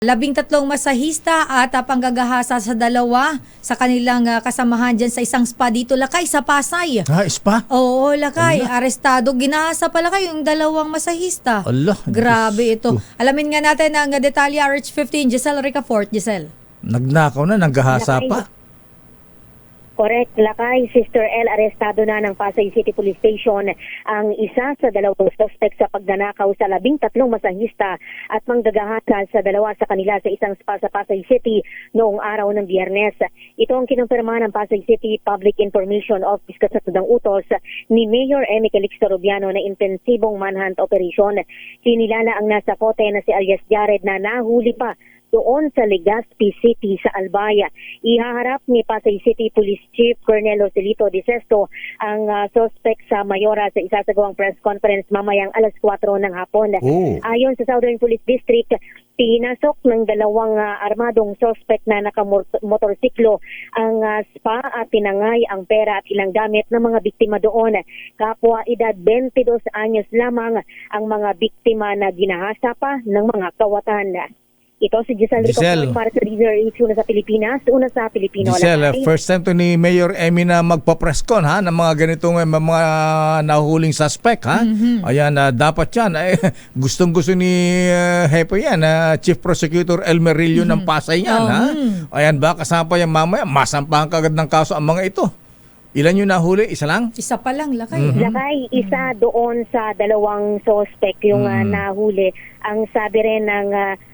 13 masahista at panggagahasa sa dalawa sa kanilang kasamahan dyan sa isang spa dito, Lakay, sa Pasay. Spa? Oo, Lakay. Arestado. Ginahasa pala kayo yung dalawang masahista. Allah. Grabe ito. Alamin nga natin ang detalye. RH15, Giselle Ricafort. Giselle. Nagnakaw na, nanggahasa pa. Correct, Lakay. Sister L, arestado na ng Pasay City Police Station ang isa sa dalawang suspect sa pagnanakaw sa 13 masahista at manggagahasa sa dalawa sa kanila sa isang spa sa Pasay City noong araw ng Biyernes. Ito ang kinumpirma ng Pasay City Public Information Office kasunod ng utos ni Mayor Emmy Calixto Rubiano na intensibong manhunt operation. Kinilala ang nasa kote na si alias Jared na nahuli pa doon sa Legazpi City sa Albaya. Ihaharap ni Pasay City Police Chief Colonel Joselito De Sesto ang suspect sa Mayora sa isasagawang press conference mamayang alas 4 ng hapon. Ayon sa Southern Police District, pinasok ng dalawang armadong suspect na nakamotorsiklo ang spa at tinangay ang pera at ilang gamit ng mga biktima doon. Kapwa edad 22 anyos lamang ang mga biktima na ginahasa pa ng mga kawatan. Ito si Giselle Ricafort para sa Leader H, una sa Pilipinas, una sa Pilipino. Giselle, first time to ni Mayor Emmy na magpa-press con ng mga ganitong mga nahuhuling suspect ha. Ayan, dapat yan. Gustong-gusto ni Hepo yan, Chief Prosecutor Elmer Rillo ng Pasay yan ha. Ayan ba, kasama pa yan mamaya, masampahan kagad ng kaso ang mga ito. Ilan yung nahuli? Isa lang? Isa pa lang, Lakay. Lakay, isa doon sa dalawang suspect yung nahuli. Ang sabi rin ng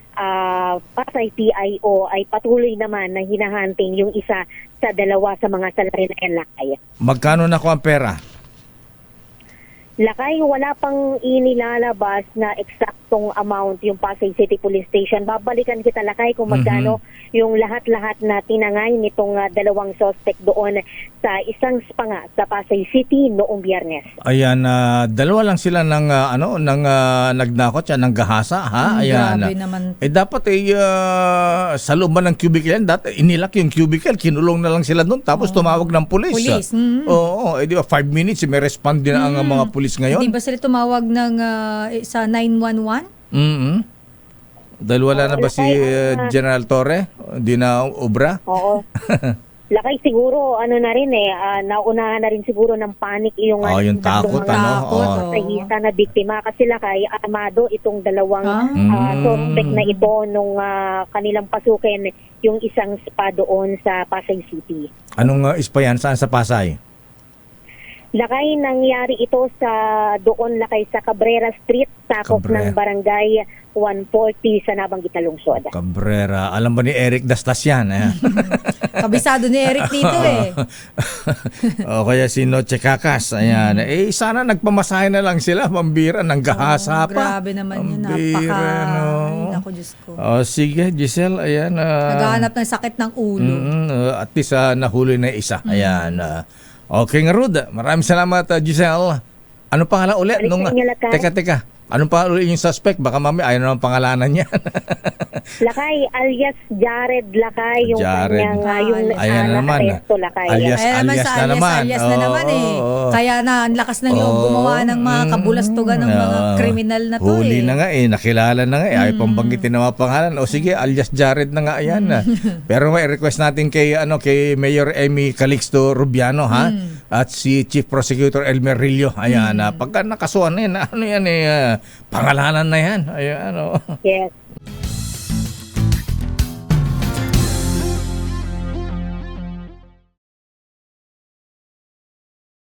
Pasay PIO ay patuloy naman na hinahunting yung isa sa dalawa sa mga salarin na Lakay. Magkano na ko ang pera? Lakay, wala pang inilalabas na eksaktong amount yung Pasay City Police Station. Babalikan kita, Lakay, kung magkano yung lahat-lahat na tinangay nitong dalawang suspect doon sa isang spa nga sa Pasay City noong Biyernes. Ayan, dalawa lang sila ng nagnakot siya ng gahasa ha. Ayan. Grabe naman. Dapat sa loob ng cubicle yan, dati inilak yung cubicle, kinulong na lang sila doon tapos tumawag ng pulis. Oo, di ba 5 minutes may respond din ang mga pulis ngayon. Hindi ba sila tumawag ng sa 911? Dahil wala na ba si General Torre? Hindi na obra? Oo. Lakay, siguro na rin naunahan na rin siguro ng panic yung yung takot sa na biktima kasi Lakay, armado itong dalawang suspect na ito nung kanilang pasukin yung isang spa doon sa Pasay City. Anong spa yan? Saan sa Pasay? Lakay, nangyari ito sa doon Lakay sa Cabrera Street, sakop ng barangay 140 sa nabanggit na lungsod. Cabrera. Alam ba ni Eric Dastas yan? Kabisado ni Eric dito O kaya si Noche Kakas. Ayan. Sana nagpamasahe na lang sila. Pambira ng gahasa pa. Grabe naman yun. Pambira, Ay, naku, Diyos ko. Sige, Giselle. Ayan. Naghahanap ng sakit ng ulo. At least nahuli na isa. Ayan. Okay nga, Rud. Maraming salamat, Giselle. Ano pangalan ulit? Teka. Anong pangalan ulit yung suspect? Baka mami ayaw naman pangalanan niya. Lakay, alias Jared Lakay. Yung kanyang nakaresto, Lakay. Alias na naman. Alias na naman Kaya na, ang lakas ng loob gumawa ng mga kabulastugan ng mga kriminal na to Huli na nga nakilala na nga Ayaw pambanggitin na mga pangalan. O sige, alias Jared na nga yan. Pero may request natin kay Mayor Emmy Calixto Rubiano at si Chief Prosecutor Elmer Rillo. Ayan, pagka nakasuhan na yan, pangalanan na yan. Ayan, Yes.